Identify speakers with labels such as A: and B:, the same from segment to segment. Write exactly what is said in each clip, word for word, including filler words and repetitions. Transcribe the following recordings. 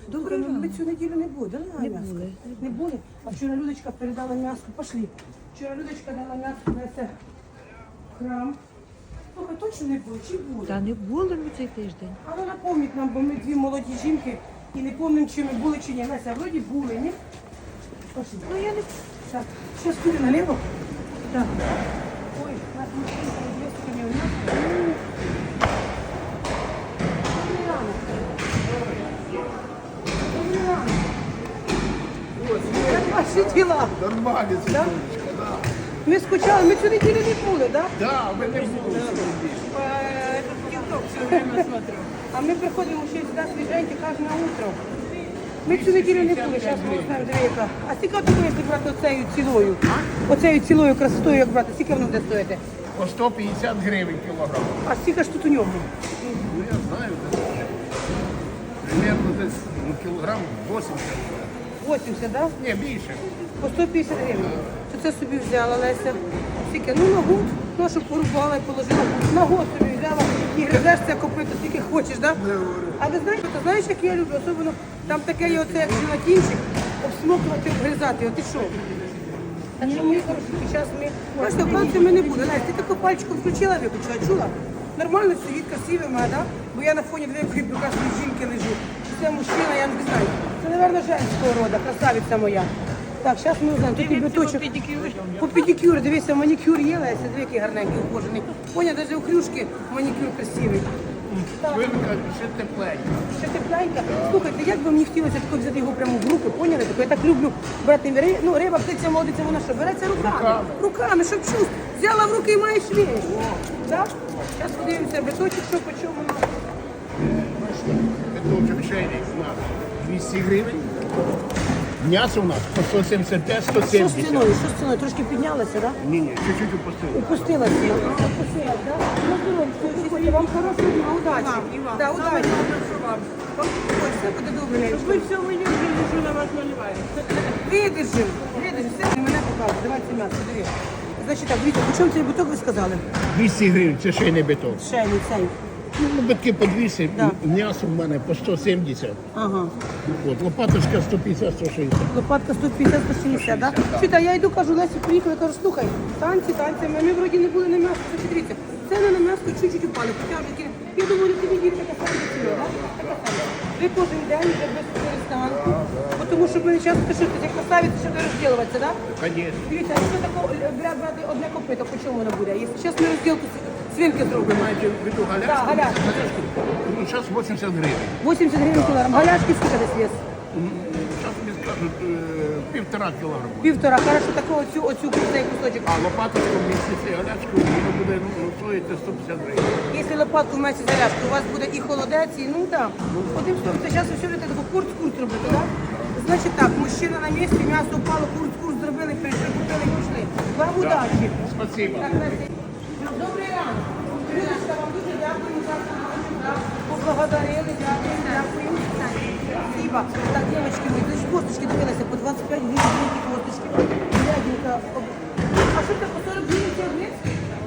A: Добре,
B: Добре,
A: ми
B: ми
A: цю неділю не були, дали
B: Не
A: м'ясо?
B: були.
A: Не були? А вчора Людочка передала м'ясо, пошли. Вчора Людочка дала м'ясо на це храм. Слухай, точно не були, чи були?
B: Та не були ми цей тиждень.
A: А ну напомніть нам, бо ми дві молоді жінки і не пам'ятаємо, чи ми були, чи ні. Леся, вроді були, ні? Пошли.
B: Ну я не
A: Так, зараз куди наліво?
B: так.
A: Ой, нас машинка розв'язка не вміє. Добрий ранок. Добрий ранок. Як ваші діла?
C: Нормально,
A: Да?
C: Светулечка, да.
A: Ми скучали, ми цю неділю не були, так?
C: Да, мы не були.
A: А ми приходимо ще сюди свіженькі кожне утро. Ми цю неділю не були, зараз ми знаємо, диви яка. А скільки от такої, якщо брати оцею цілою? Оцею цілою красотою, як брати, скільки воно буде стоїти?
C: По сто п'ятдесят гривень кілограм.
A: А скільки ж тут у ньому?
C: Ну, я знаю, десь. Примерно десь ну, кілограм вісімдесят.
A: вісімдесят, так?
C: Ні, більше.
A: По сто п'ятдесят гривень. То це собі взяла Леся. Скільки? Ну на год, ну, щоб порубала і положила. На год собі взяла і гризеш це копито, скільки хочеш, так? Да? А ви знаєте, ти знаєш, як я люблю? Особливо там таке є оце, як желатинчик, обсмокувати, обгризати. От і що? Так що мої хороші, зараз ми... Бачите, оказується, ми не буде. Лесь, ти таку пальчиком включила, виключила, чула? Нормально сидить, красивий мене, да? Бо я на фоні великої прекрасної жінки лежу. Це мужчина, я не знаю. Це, мабуть, женського роду, красавиця моя. Так, зараз ми узнаємо, тут і біточок. По педикюру, дивися, манікюр є, Леся, дві які гарненькі, ухожені. Поня, навіть у крюшки манікюр красивий. Так.
C: Швидко, ще тепленько.
A: Ще тепленька. Слухайте, як би мені хотілося тако взяти його прямо в руки, поняли? Тако, я так люблю брати ри... ну, риба, птиця, молодиця, вона що, береться руками?
C: Руками.
A: Руками, щоб чув. Взяла в руки і маєш вещь. Так? Зараз подивимося, биточок, що по чому у нас.
C: Биточок шейник у нас двісті гривень. М'ясо у нас по сто сімдесят п'ять - сто
A: Що з
C: сімдесят.
A: ціною? Що з ціною? Трошки піднялася, так? Да?
C: Ні, ні, чуть-чуть упустили.
A: Опустилася. А, опустилась, так? Ну, здоров'я, приходьте, вам хорошого дня, удачі. Да, удачі. Ой, все буде добре. Щоб ви все мені вже що на вас наливаємо. Видержим, видержим, все, мене показує. Давайте м'ясо, диви. Значить так, дивіться, по чому цей буток ви сказали?
C: двісті гривень, це шейний биток.
A: Шейний цей.
C: Ну, битки по двісті,
A: Да.
C: м'ясо в мене по сто сімдесят.
A: Ага.
C: От, лопаточка сто п'ятдесят - сто шістдесят.
A: Лопатка сто п'ятдесят - сто шістдесят, так? Да? Чуєте, а я йду, кажу, Лесі, приїхали, кажу, слухай, танці, танці, ми вроді не були на м'ясо, це дивіться. Ціни на м'ясо чуть-чуть упали, хоча вже кі- я думаю, тобі дівчата така сама ціна, так? Така сама. Ви кожен день вже без перестанку, бо тому що ми часто ти що, ти як красавець, що ти розділуватися, так?
C: Конечно.
A: Дивіться, а якщо тако бра- брати одне копито, по чому воно буде? Якщо зараз ми розділку с- свинки зробимо.
C: Маєте в виду
A: Так,
C: галяшку?
A: галяшки.
C: Ну, зараз вісімдесят гривень.
A: вісімдесят гривень кілограм. Галяшки скільки десь вес?
C: Зараз мені скажуть е, півтора кілограма.
A: Півтора. Хорошо, таку оцю, оцю цей кусочок.
C: А лопаточку вместе з галячкою воно буде ну, стоїти сто п'ятдесят гривень.
A: Якщо лопатку вместе зарядку, у вас буде і холодець, і ну так. Одним словом, це зараз ви все будете таку курц-курц робити, так? Значить так, мужчина на місці, м'ясо упало, курц-курц зробили, прийшли, купили і пішли. Вам удачі.
C: Спасибо.
A: Так, Леся. Добрий ранок. Людочка, вам дуже дякую за допомогу. да. Поблагодарили, дякую, дякую. Спасибо. Так, дівчатки, ви десь косточки дивилися по двадцять п'ять гривень, великі косточки. Глядінка. А що це, по сорок гривень ці обрізки?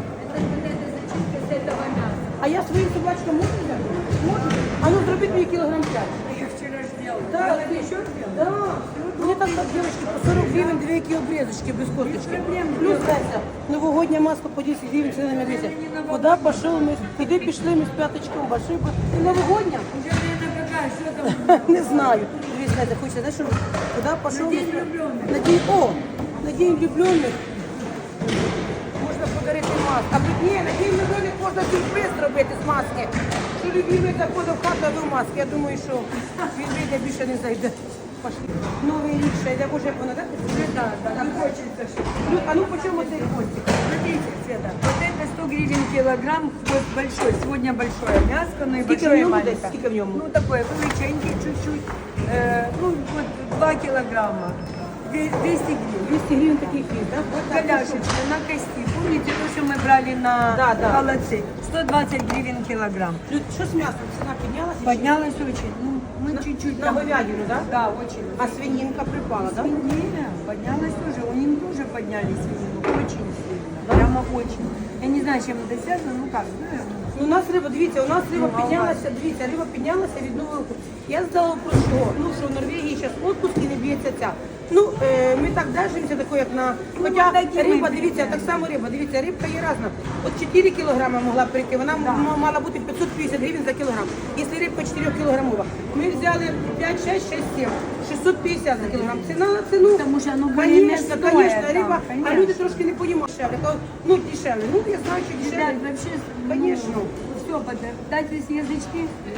A: А я своїм собачкам можу взяти? Можу? А ну зробіть мені кілограм п'ять.
D: Я вчера сделала.
A: Да, ты еще? Да. Мне там так, девочки, по сорок гривен две такие обрезочки без косточки. Плюс, Леся, новогодняя маска по десять гривен цена на весе. Куда пошел мы? Куди пішли ми з п'яточком? Большой бы. Ты новогодняя?
D: Уже время какая, что там?
A: Не знаю. Дивись, Леся, хочешь, знаешь, что? Куда пошел?
D: На день влюбленных.
A: На день, о, на день влюбленных. Можна подарити маску. А тут ні, на день влюблених можна сюрприз зробити з маски. Що любимий заходив в хату, а до маски. Я думаю, що він вийде, більше не зайде. Пошли. Новий рік ще йде, боже, як воно, так?
D: Уже да, да, не хочется. что-
A: Ну, а ну по чому цей хвостик?
D: Смотрите, Света, вот это сто гривен килограмм, вот большой, сегодня большое мяско, ну и
A: Скільки в
D: большое и
A: ньому десь?
D: маленькое.
A: Скільки в ньому?
D: Ну такое, величенький чуть-чуть, э, ну вот два килограмма, Две- двести гривен.
A: двісті гривень такий хліб, так?
D: Вот голяшечка на кости, помните то, что мы брали на
A: Да, да.
D: холодцы? сто двадцать гривен килограмм.
A: Люд, що з м'ясом? Ціна піднялася? чи
D: Поднялась очень, ну мы чуть-чуть.
A: На
D: там-
A: говядину, да?
D: Да, очень.
A: А свининка припала, так?
D: Свинина поднялась тоже, у них тоже подняли свинину, очень сильно, прямо очень. Я не знаю, чем это связано, ну как, ну,
A: Ну Ну, у нас риба, дивіться, у нас риба піднялася, дивіться, риба піднялася від нового року. Я здала про що? Ну, що в Норвегії зараз отпуск і не б'ється ця. Ну, е, ми так держимося, тако, як на... Хоча риба, дивіться, так само риба, дивіться, рибка є різна. От чотири кілограми могла прийти, вона м- мала бути п'ятсот п'ятдесят гривень за кілограм. Якщо рибка чотири кілограмова. Ми взяли п'ять, шесть, шесть, сім, шістсот п'ятдесят за кілограм. Ціна на ціну.
D: Тому що, ну,
A: Конечно,
D: более-менее
A: конечно,
D: стоїть
A: риба,
D: там,
A: а
D: конечно.
A: люди трошки не поїмо дешевле. То, ну, дешевле. Ну, я знаю, що дешевле.
D: Ребят, вообще,
A: Конечно.
D: все, дайте язычки.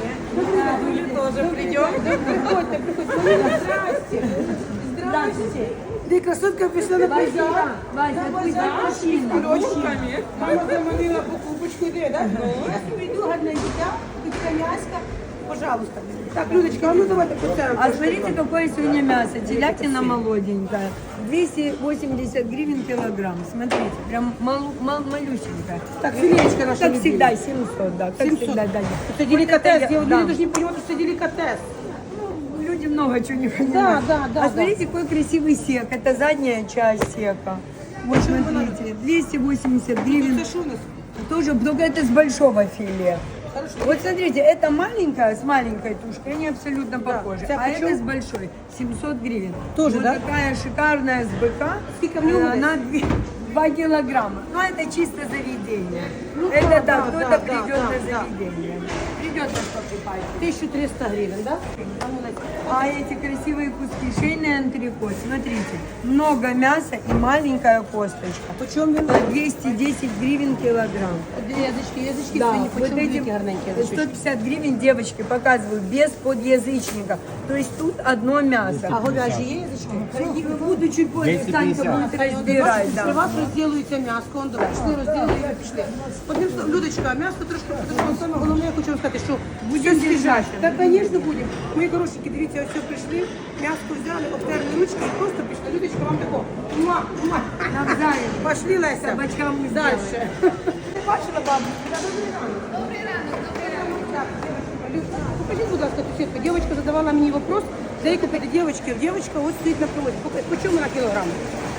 A: Вы тоже придете. Приходите, приходите. Здрасте. Здрасте. Ты красотка пришла на
D: Вася,
A: базар.
D: Вася,
A: На
D: пусть
A: базар
D: мужчина.
A: мужчинами. Мама заманила покупочку, де, да? Я прийду, гарне дитя, дитя мяска. Пожалуйста. Так, Людочка, а ну давайте поставим.
D: А смотрите, какое сегодня мясо. Телятина молоденькая. двести восемьдесят гривен килограмм. Смотрите, прям мал, мал, малюсенькая.
A: Так, филеечка наша
D: Как
A: недели.
D: всегда, семьсот, да. Как
A: семьсот.
D: всегда, да.
A: Это деликатес.
D: Вот это я-
A: Люди
D: да.
A: должны понимать, что это деликатес.
D: Ну, люди много чего не понимают.
A: да, да,
D: А смотрите, какой красивый сек. Это задняя часть сека. Вот смотрите, двести восемьдесят гривен.
A: Это что у нас?
D: Тоже, только это с большого филе.
A: Хорошо.
D: Вот смотрите, это маленькая с маленькой тушкой, они абсолютно
A: Да.
D: похожи.
A: Вся
D: А
A: почем?
D: это с большой, семьсот гривен.
A: Тоже,
D: вот
A: да?
D: такая шикарная с быка.
A: Сколько в нем
D: э,
A: здесь?
D: на два килограмма. Ну, это чисто заведение.
A: Ну,
D: это
A: да,
D: да,
A: да,
D: кто-то
A: да,
D: придет
A: да,
D: на
A: да.
D: заведение. Придет нас покупать.
A: тысяча триста гривен, да? А ну, дайте.
D: А эти красивые куски, шейный антрикот, смотрите, много мяса и маленькая косточка.
A: Почем він?
D: По двести десять гривен килограмм.
A: Язички, язички
D: Да,
A: свині,
D: вот
A: почем
D: эти
A: великі гарненькі
D: сто
A: язички?
D: пятьдесят гривен, девочки, показываю, без подъязычника. То есть тут одно мясо.
A: А говяжі є язички?
D: Буду чуть позже, Санька будет разбирать.
A: При
D: Да.
A: вас розділується м'ясо, он давай, пішли, розділили і пішли. Одним словом, Людочка, м'ясо трошки, тому що саме головне, я хочу вам сказати, що все свіжаще. Так, звісно, будемо. Мої хорошенькі, дивіться, ось все прийшли, м'ясо взяли, обтерли ручки і просто пішли. Людочка, вам тако, муа, муа.
D: Навзаєм.
A: Пошли, Леся.
D: Собачкам ми
A: Дальше. Ти бачила, бабу? Добрий ранок. Добрий ранок, добрий ранок. Так, дівчинка, Люда, покажіть, будь ласка, ту сітку. Дівчинка задавала мені вопрос, де її купити дівчинки. Дівчинка ось стоїть на приводі. По чому на кілограм?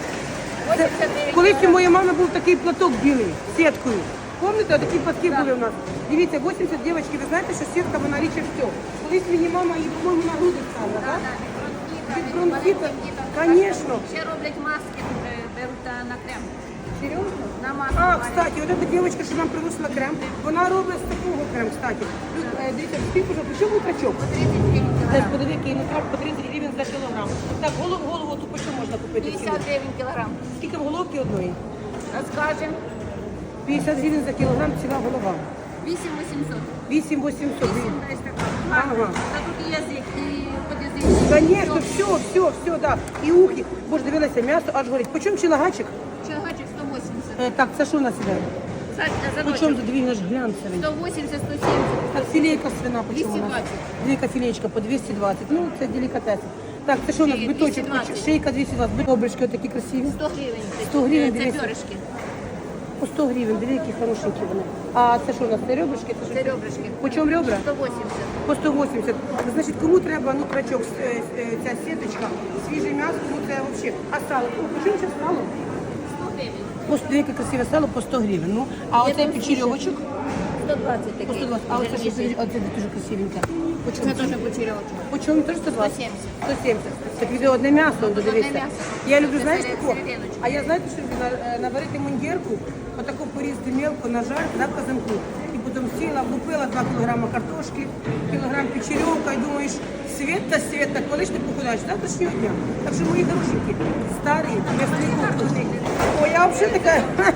A: Це- Колись у моєї мами був такий платок білий з сіткою. Пам'ятаєте, такі платки були у нас? Дивіться, вісімдесят дівчатки, ви знаєте, що сітка, вона річе все. Колись мені мама її, по-моєму, на груди ставила, так? Від бронхіта, звісно.
E: Ще роблять маски, е, беруть е, на крем.
A: Серйозно?
E: На маску.
A: А,
E: варять.
A: кстати, вот эта девочка, що нам приносила крем, вона робить з такого крем, кстати. Люд, е, Дивіться, скільки вже, чому качок?
E: тридцять гривень
A: Десь
E: кілограм.
A: подиви, який нутрак по тридцять гривень за кілограм. Так, голову, голову ту по чому можна купити?
E: п'ятдесят гривень кілограм.
A: Скільки в головки одної?
E: Розкажемо.
A: п'ятдесят гривень за кілограм ціла голова.
E: вісім вісімсот.
A: вісім вісімсот гривень.
E: Десь така.
A: Ага.
E: Та тут і язик, і подязичник.
A: Конечно, все, все, все, да. І ухи. Боже, дивилася, м'ясо аж горить. По чому чилагачик?
E: Чергачик сто вісімдесят.
A: Е, так, це що у нас іде?
E: За, за
A: По чому
E: ночок.
A: за дві наш глянцевий?
E: сто вісімдесят, сто сімдесят.
A: Так, філейка свина по чому у нас?
E: двісті двадцять.
A: Філейка філеєчка по двісті двадцять. Ну, це делікатес. Так, це що у нас?
E: Шиї
A: Биточок,
E: двісті двадцять.
A: шийка двісті двадцять. Бобрички такі красиві.
E: сто гривень.
A: сто гривень,
E: Це
A: дивіться.
E: пьоришки.
A: По сто гривень, диви, які хорошенькі вони. А це що у нас? Це ребрышки? Це,
E: Це
A: що?
E: ребрышки.
A: По чому ребра?
E: сто вісімдесят.
A: По сто вісімдесят. Значить, кому треба, ну, крачок, е, е, ця сіточка, свіже м'ясо, кому це взагалі. А сало? О, по чому це сало?
E: сто гривень.
A: По сто, яке красиве сало, по сто гривень. Ну, а оцей
E: там
A: печерьовочок?
E: сто двадцять
A: По
E: такий.
A: сто двадцять. А оце що,
E: Жирніший.
A: оце дуже красивеньке. По чому?
E: Це теж почерьовочок.
A: По чому? Теж сто двадцять?
E: сто сімдесят.
A: сто сімдесят. Так відео одне м'ясо, он додивиться.
E: м'ясо.
A: Я люблю,
E: Це
A: знаєш,
E: серед-
A: тако?
E: серединочку.
A: А я, знаєте, що люблю? На- е, наварити мундірку, отаку порізати мелко, нажарити, да, в казанку. І потім сіла, купила два кілограми картошки, кілограм печерьовка, і думаєш, Света, Света, коли ж ти похудаєш? Завтрашнього дня. Так що, мої хорошенькі, старі, м'ясний корпус. О, я взагалі така...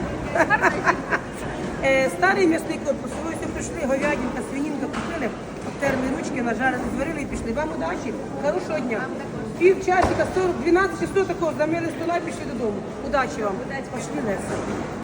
A: Е, Старий м'ясний корпус, ви ось прийшли, говядинка, свинінка купили, обтерли ручки, нажарили, зварили і пішли. Вам удачі, хорошого дня. Пів часика, сорок, дванадцять часов такого, замили стола і пішли додому. Удачі вам. Пошли, Леся.